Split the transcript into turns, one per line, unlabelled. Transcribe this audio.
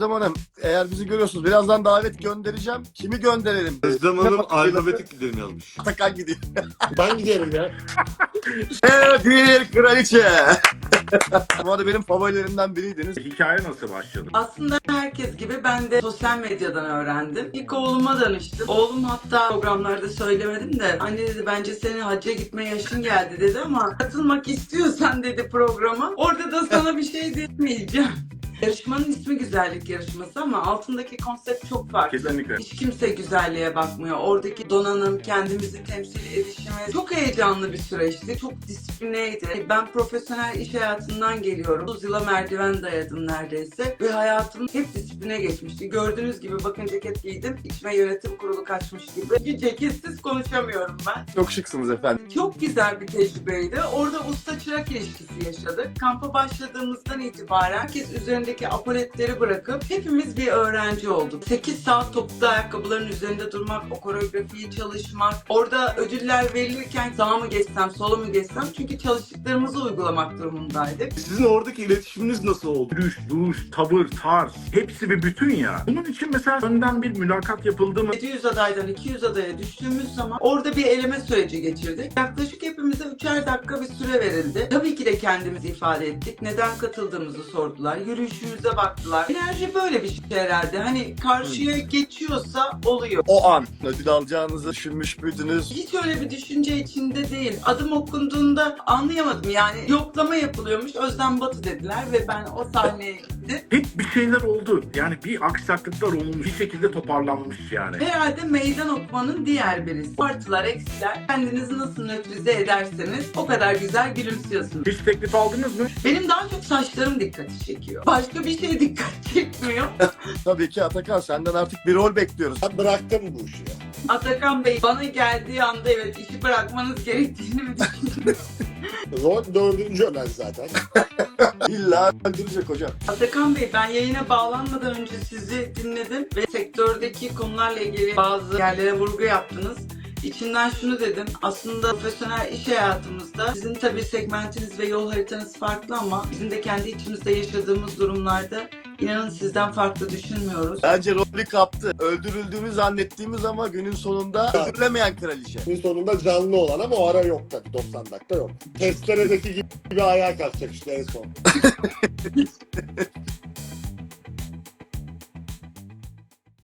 Hanım, eğer bizi görüyorsunuz birazdan davet göndereceğim. Kimi gönderelim?
Özlem Hanım alfabetik gidelim yazmış.
Atakan gidiyor.
Ben giderim ya.
Evet, bir kraliçe. Bu arada benim favorilerimden biriydiniz.
Hikaye nasıl başladı?
Aslında herkes gibi ben de sosyal medyadan öğrendim. İlk oğluma danıştım. Oğlum hatta programlarda söylemedim de anne dedi bence senin hacca gitme yaşın geldi dedi ama katılmak istiyorsan dedi programa. Orada da sana bir şey demeyeceğim. Yarışmanın ismi güzellik yarışması ama altındaki konsept çok farklı.
Kesinlikle.
Hiç kimse güzelliğe bakmıyor. Oradaki donanım, kendimizi temsil edişimiz çok heyecanlı bir süreçti. Çok disiplineydi. Ben profesyonel iş hayatından geliyorum. 30 yıla merdiven dayadım neredeyse. Ve hayatım hep disipline geçmişti. Gördüğünüz gibi bakın ceket giydim. İçime yönetim kurulu kaçmış gibi. Bir ceketsiz konuşamıyorum ben.
Çok şıksınız efendim.
Çok güzel bir tecrübeydi. Orada usta çırak ilişkisi yaşadık. Kampa başladığımızdan itibaren herkes üzerindeki apoletleri bırakıp hepimiz bir öğrenci olduk. 8 saat topuklu ayakkabıların üzerinde durmak, o koreografiyi çalışmak, orada ödüller verilirken sağa mı geçsem, sola mı geçsem çünkü çalıştıklarımızı uygulamak durumundaydık.
Sizin oradaki iletişiminiz nasıl oldu?
Yürüyüş, duruş, tavır, tarz hepsi bir bütün ya. Bunun için mesela önden bir mülakat yapıldı mı?
700 adaydan 200 adaya düştüğümüz zaman orada bir eleme süreci geçirdik. Yaklaşık hepimize 3'er dakika bir süre verildi. Tabii ki de kendimizi ifade ettik. Neden katıldığımızı sordular. Yürüyüşümüze baktılar. Enerji böyle bir şey herhalde. Hani karşıya geçiyorsa oluyor.
O an ödül alacağınızı düşünmüş müydünüz?
Hiç öyle bir düşünce içinde değil. Adım okunduğunda anlayamadım. Yani yoklama yapılıyormuş. Özlem Batı dediler ve ben o sahneye gittim.
Hep bir şeyler oldu. Yani bir aksaklıklar olmuş. Bir şekilde toparlanmış yani.
Herhalde meydan okumanın diğer birisi. Artılar, eksiler. Kendinizi nasıl nötrize ederseniz o kadar güzel gülümsüyorsunuz.
Hiç teklif aldınız mı?
Benim daha çok saçlarım dikkati çekiyor. Başka bir şey dikkat çekmiyor.
Tabii ki Atakan, senden artık bir rol bekliyoruz.
Ben bıraktım bu işi ya.
Atakan Bey bana geldiği anda evet işi bırakmanız gerektiğini mi düşündünüz?
Rol 4. ölen zaten.
İlla öldürecek hocam.
Atakan Bey ben yayına bağlanmadan önce sizi dinledim ve sektördeki konularla ilgili bazı yerlere vurgu yaptınız. İçinden şunu dedim, aslında profesyonel iş hayatımızda sizin tabii segmentiniz ve yol haritanız farklı ama bizim de kendi içimizde yaşadığımız durumlarda inanın sizden farklı düşünmüyoruz.
Bence rolü kaptı. Öldürüldüğünü zannettiğimiz ama günün sonunda öldürülemeyen kraliçe.
Gün sonunda canlı olan ama o ara yok tabii. 90 dakika yok. Testeredeki gibi ayağa kalkacak işte en son.